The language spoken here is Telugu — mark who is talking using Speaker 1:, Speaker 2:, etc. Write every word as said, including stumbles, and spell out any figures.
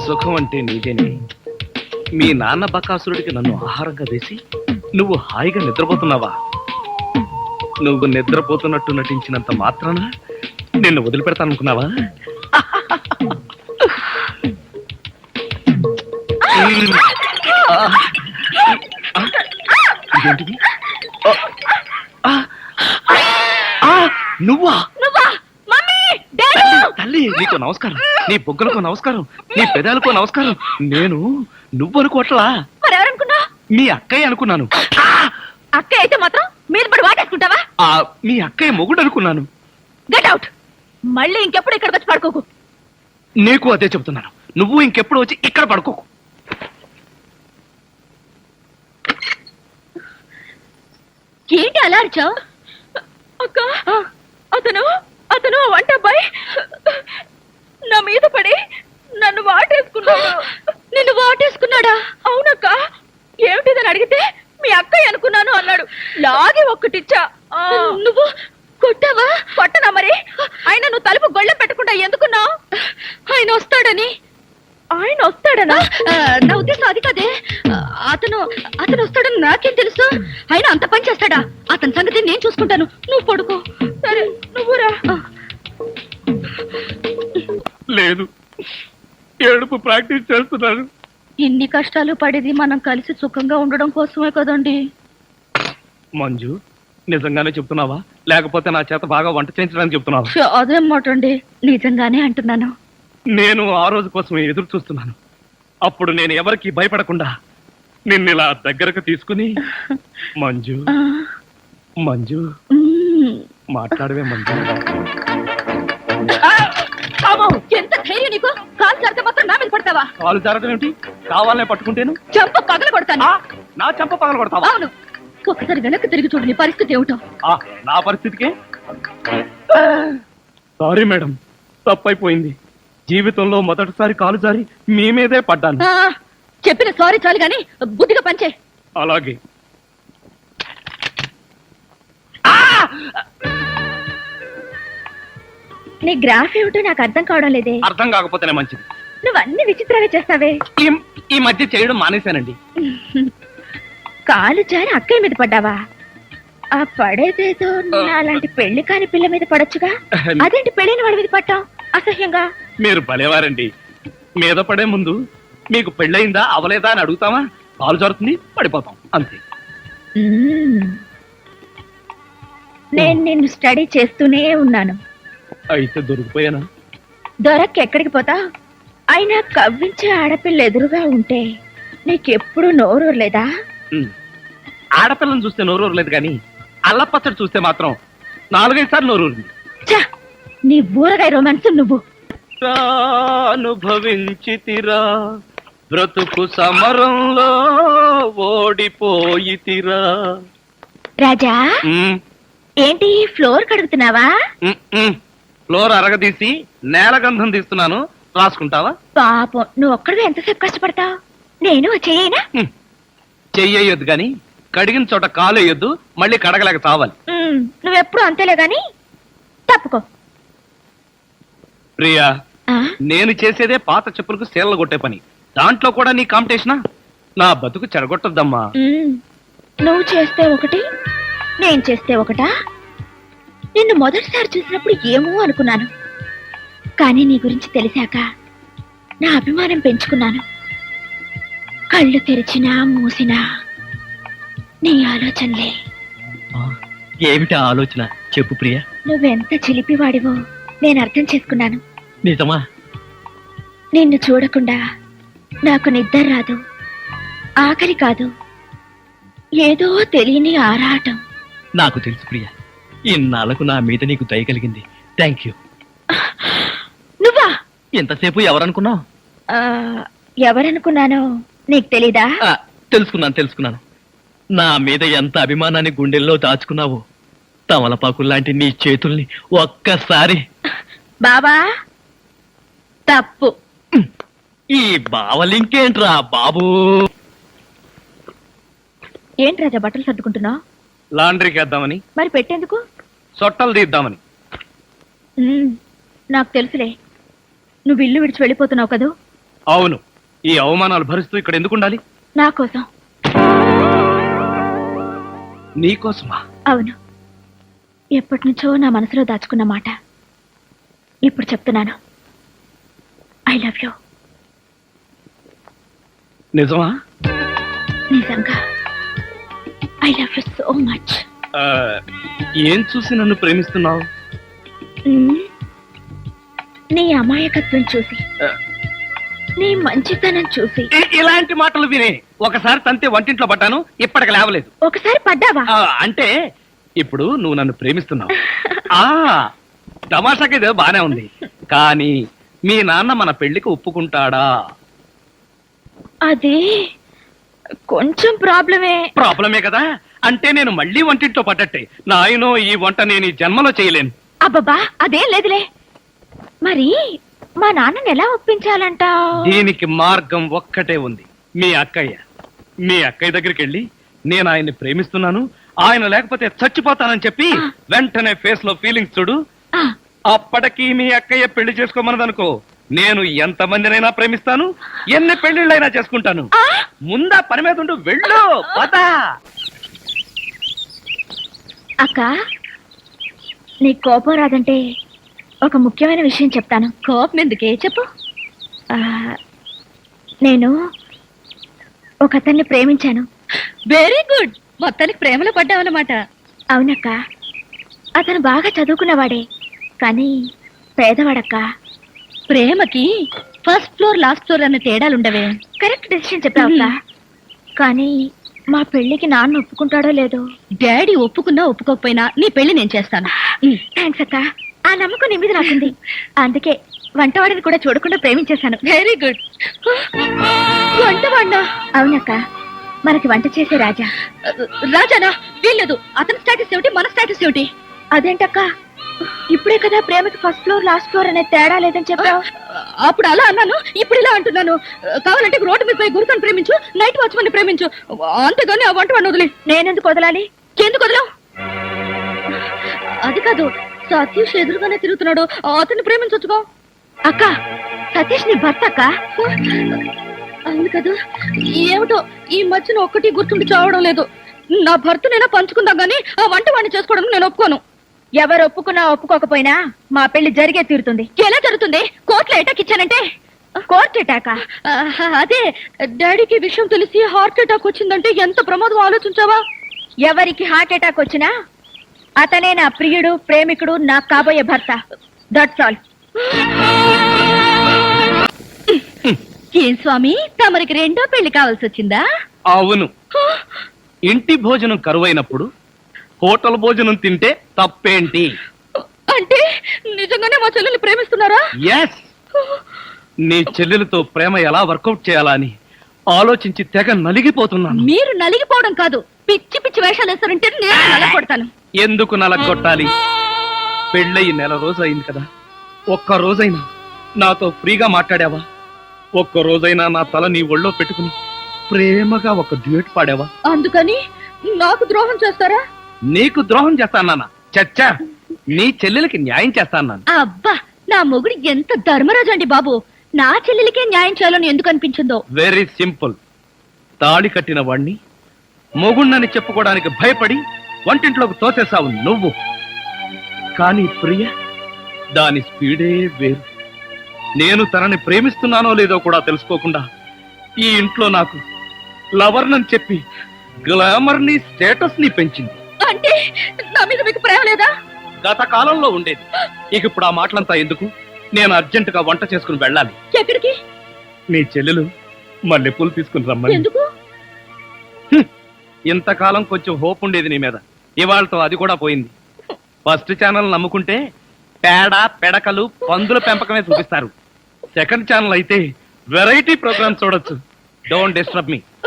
Speaker 1: సుఖం అంటే నీదేనే. మీ నాన్న బకాసురుడికి నన్ను ఆహారంగా వేసి నువ్వు హాయిగా నిద్రపోతున్నావా? నువ్వు నిద్రపోతున్నట్టు నటించినంత మాత్రాన నిన్ను వదిలిపెడతాననుకున్నావా? ఇదేంటిది? నువ్వా? తల్లి, నీకు నమస్కారం. నీ బొగ్గలకు నమస్కారం, నీ పెదాలకు నమస్కారం. నేను నువ్వు అనుకోవట్లా,
Speaker 2: మరెవరనుకున్నా?
Speaker 1: మీ అక్కయ్య అనుకున్నాను.
Speaker 2: అక్కయ్య అయితే మాత్రం మీద పడి వాటేసుకుంటావా?
Speaker 1: మీ అక్కయ్య మొగుడు అనుకున్నాను.
Speaker 2: Get out. మళ్ళీ ఇంకెప్పుడు ఇక్కడికి వచ్చి పడుకోకు.
Speaker 1: నీకు అదే చెబుతున్నాను, నువ్వు ఇంకెప్పుడు వచ్చి ఇక్కడ పడుకోకు.
Speaker 2: ఏంటి అలా అరిచావు? అక్క, అతను అతను వంట అబ్బాయి నా మీద పడి నన్ను వాటేసుకున్నాడు. నిన్ను వాటేసుకున్నాడా? అవునక్క. ఏమిటిదని అడిగితే మీ అక్కయ్య అనుకున్నాను అన్నాడు. లాగి ఒక్కటిచ్చా. నువ్వు కొట్టావా? కొట్టనా మరి. ఆయన నువ్వు తలుపు గొళ్ళెం పెట్టకుండా ఎందుకున్నావు? ఆయన వస్తాడని. ఆయన వస్తాడనా? నా ఉద్దేశం అది కదే. అతను అతను వస్తాడని నాకేం తెలుసు? ఆయన అంత పని చేస్తాడా? అతని సంగతి నేను చూసుకుంటాను, నువ్వు పడుకో. సరే, నువ్వురా.
Speaker 1: లేదు, ఏడుపు ప్రాక్టీస్ చేస్తున్నాను.
Speaker 2: ఇన్ని కష్టాలు పడేది మనం కలిసి సుఖంగా ఉండడం కోసమే కదండి.
Speaker 1: మంజు, నిజంగానే చెప్తున్నావా లేకపోతే నా చేత బాగా వంట చేయించడానికి చెప్తున్నావా?
Speaker 2: అదేం మాట అండి, నిజంగానే అంటున్నాను.
Speaker 1: నేను ఆ రోజు కోసం ఎదురు చూస్తున్నాను. అప్పుడు నేను ఎవరికి భయపడకుండా నిన్ను ఇలా దగ్గరకు తీసుకుని మంజు మంజు మాట్లాడవే మంజు.
Speaker 2: ఎంత ధైర్యం నీకు? కాలు జారితే మాత్రం నా మీద పడతావా?
Speaker 1: కాలు జారడం ఏమిటి? కావాలనే పట్టుకుంటేను
Speaker 2: చెంప పగల కొడతాను.
Speaker 1: నా చెంప పగల కొడతావా?
Speaker 2: అవును. ఒకసారి వెనక్కి తిరిగి చూడు, నీ పరిస్థితి ఏమిటో.
Speaker 1: నా పరిస్థితికే సారీ మేడం, తప్పైపోయింది. జీవితంలో మొదటిసారి కాలు జారి మీ మీదే పడ్డాను.
Speaker 2: చెప్పిన సారీ చాలు గాని బుద్ధిగా పంచే.
Speaker 1: అలాగే.
Speaker 2: నీ గ్రాఫ్ ఏమిటో నాకు అర్థం కావడం లేదే.
Speaker 1: అర్థం కాకపోతేనే మంచిది.
Speaker 2: నువ్వు అన్ని విచిత్రంగా చేస్తావే.
Speaker 1: ఈ మధ్య చేయడం మానేశానండి.
Speaker 2: కాలు జారి అక్కయ్య మీద పడ్డావా? ఆ పడేదేదో అలాంటి పెళ్లి కాని పిల్ల మీద పడొచ్చుగా. అదేంటి పెళ్లిని వాడి మీద పట్టావు అసహ్యంగా?
Speaker 1: మీరు భలేవారండి. మీద పడే ముందు మీకు పెళ్ళయిందా అవలేదా అని అడుగుతామా? కాలు జారుతుంది, పడిపోతాం అంతే.
Speaker 2: నేను నిన్ను స్టడీ చేస్తూనే ఉన్నాను.
Speaker 1: అయితే దొరికిపోయానా?
Speaker 2: దొరక్క ఎక్కడికి పోతా? అయినా కవ్వించే ఆడపిల్ల ఎదురుగా ఉంటే నీకెప్పుడు నోరూరలేదా?
Speaker 1: ఆడపిల్లని చూస్తే నోరూరలేదు కానీ అల్లపచ్చడి చూస్తే మాత్రం నాలుగైదు సార్లు నోరూరింది.
Speaker 2: నీ ఊరగాయ రొమాన్స్ నువ్వు.
Speaker 1: అనుభవించితిరా బ్రతుకు సమరంలో ఓడిపోయితిరా.
Speaker 2: రాజా, ఏంటి ఫ్లోర్ కడుగుతున్నావా?
Speaker 1: ఫ్లోర్ అరగదీసి నేల గంధం తీస్తున్నాను, రాసుకుంటావా?
Speaker 2: పాపం, నువ్వు ఒక్కడివే ఎంతసేపు కష్టపడతావు? నేను చెయ్యనా?
Speaker 1: చెయ్యొద్దు గాని కడిగిన చోట కాలు వేయొద్దు, మళ్ళీ కడగలేక చావాలి.
Speaker 2: నువ్వెప్పుడు అంతేలే గాని తప్పుకో.
Speaker 1: ప్రియా, నేను చేసేదే పాత చెప్పులకు సేలలు కొట్టే పని. దాంట్లో కూడా నీ కాంపిటీషనా? నా బతుకు చెడగొట్టద్దమ్మా.
Speaker 2: నువ్వు చేస్తే ఒకటి, నేను చేస్తే ఒకటా? నిన్ను మొదటిసారి చూసినప్పుడు ఏమో అనుకున్నాను, కానీ నీ గురించి తెలిసాక నా అభిమానం పెంచుకున్నాను. కళ్ళు తెరిచినా మూసినా నీ ఆలోచనలే.
Speaker 3: ఏమిటి ఆలోచన చెప్పు ప్రియా.
Speaker 2: నువ్వెంత చిలిపివాడివో నేను అర్థం చేసుకున్నాను.
Speaker 3: నిజమా?
Speaker 2: నిన్ను చూడకుండా నాకు నిద్ర రాదు, ఆకలి కాదు, ఏదో తెలియని ఆరాటం.
Speaker 3: నాకు తెలుసు ప్రియా, ఇన్నాళ్లకు నా మీద నీకు దయ కలిగింది. Thank you.
Speaker 2: నువ్వా?
Speaker 3: ఎంతసేపు ఎవరనుకున్నావు?
Speaker 2: ఎవరనుకున్నానో నీకు తెలీదా?
Speaker 3: తెలుసుకున్నాను తెలుసుకున్నాను నా మీద ఎంత అభిమానాన్ని గుండెల్లో దాచుకున్నావో. తమలపాకుల్లాంటి నీ చేతుల్ని ఒక్కసారి.
Speaker 2: బాబా, తప్పు.
Speaker 3: ఈ బావలింకేంట్రా బాబు?
Speaker 2: ఏంటి రాజా బట్టలు సర్దుకుంటున్నావు?
Speaker 1: లాండ్రీకి వేద్దామని.
Speaker 2: మరి పెట్టేందుకు?
Speaker 1: సొట్టలు తీద్దామని.
Speaker 2: నాకు తెలుసులే, నువ్వు ఇల్లు విడిచి వెళ్ళిపోతున్నావు కదూ.
Speaker 1: అవును, ఈ అవమానాలు భరిస్తూ ఇక్కడ ఎందుకు ఉండాలి?
Speaker 2: నా కోసం.
Speaker 1: నీకోసమా?
Speaker 2: అవును, ఎప్పటి నుంచో నా మనసులో దాచుకున్న మాట ఇప్పుడు చెప్తున్నాను. I love you.
Speaker 1: నిజమా?
Speaker 2: నిజంగా I love you so much.
Speaker 1: ఆ, ఏం చూసి నన్ను ప్రేమిస్తున్నావు?
Speaker 2: నీ అమాయకత్వం చూసి,
Speaker 1: ఆ,
Speaker 2: నీ మంచితనం చూసి.
Speaker 1: ఇ- ఇలాంటి మాటలు వినే ఒకసారి తంతే వంటింట్లో పడ్డాను, ఇప్పటికి లేవలేదు.
Speaker 2: ఒకసారి పడ్డావా?
Speaker 1: ఆ, అంటే ఇప్పుడు నువ్వు నన్ను ప్రేమిస్తున్నావు. ఆ తమాషాకి ఇదే బానే ఉంది, కానీ మీ నాన్న మన పెళ్లికి ఒప్పుకుంటాడా?
Speaker 2: అది కొంచెం ప్రాబ్లమే.
Speaker 1: ప్రాబ్లమే కదా, అంటే నేను మళ్ళీ వంటింట్లో పడ్డట్టే. నాయనో, ఈ వంట నేను ఈ జన్మలో చేయలేను.
Speaker 2: అబ్బబ్బా, అదేం లేదులే. మరి మా నాన్నని ఎలా ఒప్పించాలంటావ్?
Speaker 1: దీనికి మార్గం ఒక్కటే ఉంది. మీ అక్కయ్య మీ అక్కయ్య దగ్గరికి వెళ్ళి నేను ఆయన్ని ప్రేమిస్తున్నాను, ఆయన లేకపోతే చచ్చిపోతానని చెప్పి వెంటనే ఫేస్ లో ఫీలింగ్స్ చూడు.
Speaker 2: ఆ,
Speaker 1: అప్పటికి మీ అక్కయ్య పెళ్లి చేసుకోమన్నదనుకో, నేను ఎంత మందినైనా ప్రేమిస్తాను, ఎన్ని పెళ్లిళ్ళైనా చేసుకుంటాను.
Speaker 2: ఆ,
Speaker 1: ముందా పని మీద ఉండు, వెళ్ళు పద.
Speaker 2: అక్క, నీ కోపం రాదంటే ఒక ముఖ్యమైన విషయం చెప్తాను. కోపం ఎందుకే, చెప్పు. ఆ, నేను ఒక అతన్ని ప్రేమించాను. Very good. మొత్తానికి ప్రేమలో పడ్డావన్నమాట. అవునక్క, అతను బాగా చదువుకున్నవాడే, కానీ పేదవాడక్క. ప్రేమకి ఫస్ట్ ఫ్లోర్ లాస్ట్ ఫ్లోర్ అన్న తేడాలుండవే. Correct decision చెప్పావక్క. కానీ మా పెళ్లికి నాన్న ఒప్పుకుంటాడో లేదో. డాడీ ఒప్పుకున్నా ఒప్పుకోకపోయినా నీ పెళ్లి నేను చేస్తాను. థ్యాంక్స్ అక్క, ఆ నమ్మకం నీ మీద నాకుంది. అందుకే వంటవాడిని కూడా చూడకుండా ప్రేమించేశాను. Very good. వంటవాడినా? అవునక్క, మనకి వంట చేసే రాజా. రాజానా? వీల్లేదు. అతని స్టేటస్ ఏమిటి, మన స్టేటస్ ఏమిటి? అదేంటక్క, ఇప్పుడే కదా ప్రేమకి ఫస్ట్ ఫ్లోర్ లాస్ట్ ఫ్లోర్ అనే తేడా లేదని చెప్పావు. అప్పుడు అలా అన్నాను, ఇప్పుడు ఇలా అంటున్నాను. కావాలంటే రోడ్డు మీద పోయి గురుతను ప్రేమించు, నైట్ వాచ్మన్ ప్రేమించు, అంతేగాని ఆ వంట వాడిని వదిలే. నేనెందుకు వదలాలి? ఎందుకు వదలవు? అది కాదు, సతీష్ ఎదురుగానే తిరుగుతున్నాడు, అతన్ని ప్రేమించొచ్చుకో. అక్క, సతీష్ నీ భర్త అక్క. అవును కదా, ఏమిటో ఈ మధ్యన ఒక్కటి గుర్తుండి చావడం లేదు. నా భర్తనైనా పంచుకుందాం గానీ ఆ వంట వాడిని చేసుకోవడం నేను ఒప్పుకోను. ఎవరు ఒప్పుకున్నా ఒప్పుకోకపోయినా మా పెళ్లి జరిగే తీరుతుంది. ఎలా జరుగుతుంది? కోర్టులో అటాక్ ఇచ్చానంటే. కోర్టు అటాకా? అదే, డాడీకి విషయం తెలిసి హార్ట్ అటాక్ వచ్చిందంటే ఎంత ప్రమాదం ఆలోచించావా? ఎవరికి హార్ట్ అటాక్ వచ్చినా అతనే నా ప్రియుడు, ప్రేమికుడు, నా కాబోయే భర్త. That's all. ఏం స్వామి, తమరికి రెండో పెళ్లి కావాల్సి వచ్చిందా?
Speaker 1: అవును, ఇంటి భోజనం కరువైనప్పుడు హోటల్ భోజనం తింటే తప్పేంటి?
Speaker 2: అంటే నిజంగానే మా చెల్లెల్ని ప్రేమిస్తున్నారా?
Speaker 1: ఎస్, నీ చెల్లెలతో ప్రేమ ఎలా వర్కౌట్ చేయాలా అని ఆలోచించి తెగ నలిగిపోతున్నాను.
Speaker 2: మీరు నలిగిపోవడం కాదు, పిచ్చి పిచ్చి వేషాలు వేస్తారంటే నేను నలగొడతాను.
Speaker 1: ఎందుకు నలగొట్టాలి? పెళ్ళయి నెల రోజు అయింది కదా, ఒక్క రోజైనా నాతో ఫ్రీగా మాట్లాడావా? ఒక్క రోజైనా నా తల నీ ఒళ్ళో పెట్టుకుని ప్రేమగా ఒక డ్యూట్ పాడావా?
Speaker 2: అందుకని నాకు ద్రోహం చేస్తారా?
Speaker 1: నీకు ద్రోహం చేస్తానా? చచ్చా, నీ చెల్లెలకి న్యాయం చేస్తాను.
Speaker 2: అబ్బా, నా మొగుడు ఎంత ధర్మరాజు అండి బాబు. నా చెల్లెలికే న్యాయం చేయాలని ఎందుకు అనిపించిందో?
Speaker 1: Very simple. తాళి కట్టిన వాణ్ణి మొగుణ్ణని చెప్పుకోవడానికి భయపడి వంటింట్లోకి తోసేసావు నువ్వు. కానీ ప్రియ, దాని స్పీడే వేరు. నేను తనని ప్రేమిస్తున్నానో లేదో కూడా తెలుసుకోకుండా ఈ ఇంట్లో నాకు లవర్నని చెప్పి గ్లామర్ ని స్టేటస్ ని పెంచింది.
Speaker 2: అంటే నా మీద మీకు ప్రేమ లేదా?
Speaker 1: గత కాలంలో ఉండేది. ఇక ఇప్పుడు ఆ మాటలంతా ఎందుకు? నేను అర్జెంట్ గా వంట చేసుకుని వెళ్ళాలి.
Speaker 2: ఎక్కడికి?
Speaker 1: నీ చెల్లెలు మల్లెపూలు తీసుకుని రమ్మని.
Speaker 2: ఎందుకు?
Speaker 1: ఇంతకాలం కొంచెం హోప్ ఉండేది నీ మీద, ఇవాళతో అది కూడా పోయింది. ఫస్ట్ ఛానల్ నమ్ముకుంటే పేడ, పెడకలు, పందుల పెంపకమే చూపిస్తారు. సెకండ్ ఛానల్ అయితే వెరైటీ ప్రోగ్రామ్స్ చూడొచ్చు. Don't disturb me.